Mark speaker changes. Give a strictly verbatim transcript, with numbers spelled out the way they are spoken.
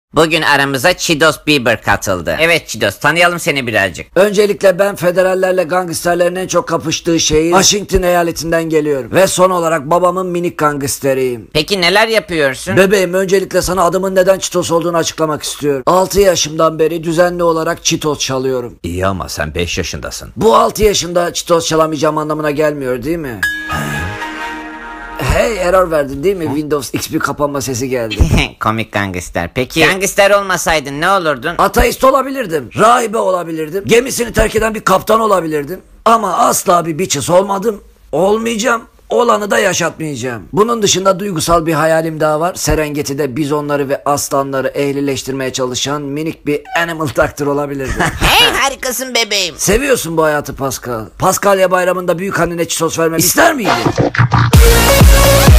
Speaker 1: Bugün aramıza Çitos Bieber katıldı. Evet Çitos, tanıyalım seni birazcık.
Speaker 2: Öncelikle ben federallerle gangsterlerin en çok kapıştığı şehir Washington eyaletinden geliyorum. Ve son olarak babamın minik gangsteriyim.
Speaker 1: Peki neler yapıyorsun?
Speaker 2: Bebeğim, öncelikle sana adımın neden Çitos olduğunu açıklamak istiyorum. altı yaşımdan beri düzenli olarak Çitos çalıyorum.
Speaker 3: İyi ama sen beş yaşındasın.
Speaker 2: Bu altı yaşında Çitos çalamayacağım anlamına gelmiyor değil mi? Hey, error verdin değil mi? Windows X P kapanma sesi geldi.
Speaker 1: Komik gangster. Peki gangster olmasaydın ne olurdun?
Speaker 2: Ateist olabilirdim. Rahibe olabilirdim. Gemisini terk eden bir kaptan olabilirdim. Ama asla bir bitches olmadım. Olmayacağım. Olanı da yaşatmayacağım. Bunun dışında duygusal bir hayalim daha var. Serengeti'de bizonları ve aslanları ehlileştirmeye çalışan minik bir animal doctor olabilirdim.
Speaker 1: Hey, harikasın bebeğim.
Speaker 2: Seviyorsun bu hayatı Pascal. Paskalya bayramında büyük annene çitos vermemi ister miydin?